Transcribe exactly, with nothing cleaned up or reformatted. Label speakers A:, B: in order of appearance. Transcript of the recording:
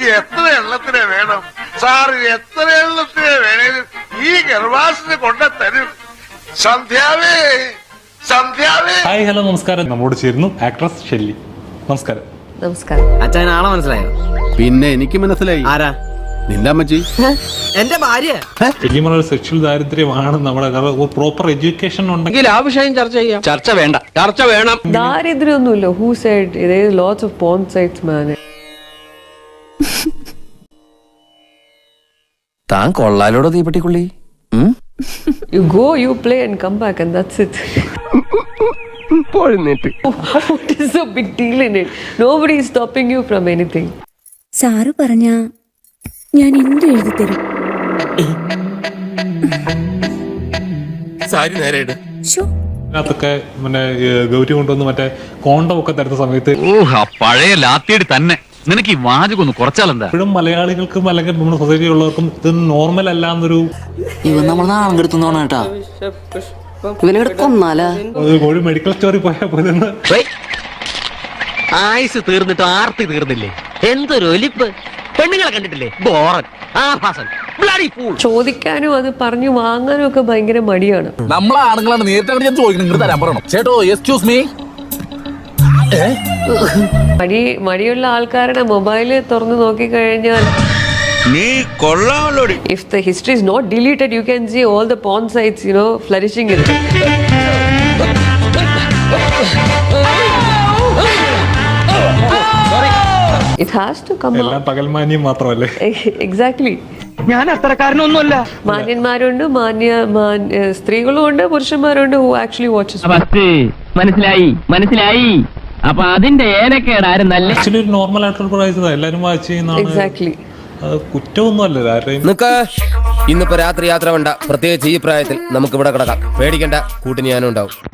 A: എനിക്ക് എത്ര എണ്ണത്തിനെ വേണം സാറ്? എത്ര എണ്ണത്തിനെ വേണേലും ഈ ഗർഭാസിന് കൊണ്ട തരും. സന്ധ്യാവേ, സന്ധ്യാവേ.
B: ഹായ്, ഹലോ, നമസ്കാരം. നമ്മോട് ചേരുന്നു ആക്ട്രസ് ഷെല്ലി. നമസ്കാരം.
C: നമസ്കാരം.
D: അച്ഛൻ ആളെ മനസ്സിലായോ?
E: പിന്നെ എനിക്ക് മനസ്സിലായി.
D: ആരാ?
E: നിന്റെ അമ്മച്ചി,
D: എന്റെ ഭാര്യ.
B: ശരിക്കും സെക്ഷൽ ദാരിദ്ര്യമാണ് നമ്മുടെ പ്രോപ്പർ എഡ്യൂക്കേഷൻ ഉണ്ടെങ്കിൽ
D: ആ വിഷയം ചർച്ച ചെയ്യാം. ചർച്ച വേണ്ട, ചർച്ച വേണം.
C: ദാരിദ്ര്യമൊന്നുമില്ല. Who side there is lots of porn sites, man.
F: താൻ കൊള്ളാലോടോ തീപ്പെട്ടിക്കുള്ളി.
C: You go, you play and come back and that's it. What is the big deal in it? Nobody is stopping you from anything.
G: സാറ് പറഞ്ഞ ഞാൻ എന്ത് എഴുതി തരും.
F: സാരി നേരെയിട്.
B: അതിനകത്തൊക്കെ പിന്നെ ഗൗരി കൊണ്ടുവന്ന് മറ്റേ കോണ്ടം ഒക്കെ തരുന്ന സമയത്ത്
H: പഴയ ലാത്തിയടി തന്നെ നിനക്ക് ഈ വാചകം ഒന്ന് കുറച്ചാലെന്താ?
B: ഇപ്പോഴും മലയാളികൾക്കും അല്ലെങ്കിൽ നമ്മുടെ സൊസൈറ്റി ഉള്ളവർക്കും ഇത് നോർമൽ അല്ല എന്നൊരു
F: ഇവൻ നമ്മൾ നാളെ എടുത്തോണ കേട്ടാ. ഇവനെടുക്കൊന്നാലാ
B: ഒരു മെഡിക്കൽ സ്റ്റോറി പോയാൽ പോലെ
D: ആയുസ് തീർന്നിട്ട് ആർത്തി തീർന്നില്ലേ? എന്തൊരു ഒലിപ്പ്! പെണ്ണുങ്ങളെ കണ്ടിട്ടില്ലേ? ബോറൻ, ആഭാസൻ, ബ്ലഡി ഫൂൾ.
C: ചോദിക്കാനും അത് പറഞ്ഞു വാങ്ങാനും ഒക്കെ ഭയങ്കര മടിയാണ്.
I: നമ്മളെ ആണുങ്ങളാണ് നേരിട്ട് ഞാൻ ചോദിക്കണം, തരാൻ പറയണം. ചേട്ടോ എക്സ്ക്യൂസ് മീ.
C: മടി മടിയുള്ള ആൾക്കാരുടെ മൊബൈല് തുറന്നു നോക്കി കഴിഞ്ഞാൽ
A: നീ കൊള്ളാമല്ലോ.
C: if the history is not deleted, you can see all the porn sites, you know, flourishing in it. It has to come
B: എല്ലാം
C: out.
B: പകൽമാന്യം മാത്രമല്ലേ?
C: Exactly.
D: ഞാൻ അത്രക്കാരനൊന്നുമല്ല.
C: മാന്യന്മാരുണ്ട്, മാന്യ മാന്യ സ്ത്രീകളും ഉണ്ട്, പുരുഷന്മാരുണ്ട് who actually watches.
J: മനസ്സിലായി മനസ്സിലായി. അപ്പൊ അതിന്റെ ഏനക്കേടാരും നല്ല
B: ആക്ച്വലി ഒരു നോർമൽ ആയിട്ടുള്ള പ്രൈസ് എല്ലാരും വാച്ച് ചെയ്യുന്നതാണ്.
C: Exactly.
B: കുറ്റമൊന്നും അല്ലല്ലോ ആരുടെയും.
F: ഇന്നിപ്പോ രാത്രി യാത്ര വേണ്ട, പ്രത്യേകിച്ച് ഈ പ്രായത്തിൽ നമുക്ക് ഇവിടെ കിടക്കാം. പേടിക്കണ്ട, കൂട്ടിന് ഞാനും ഉണ്ടാവും.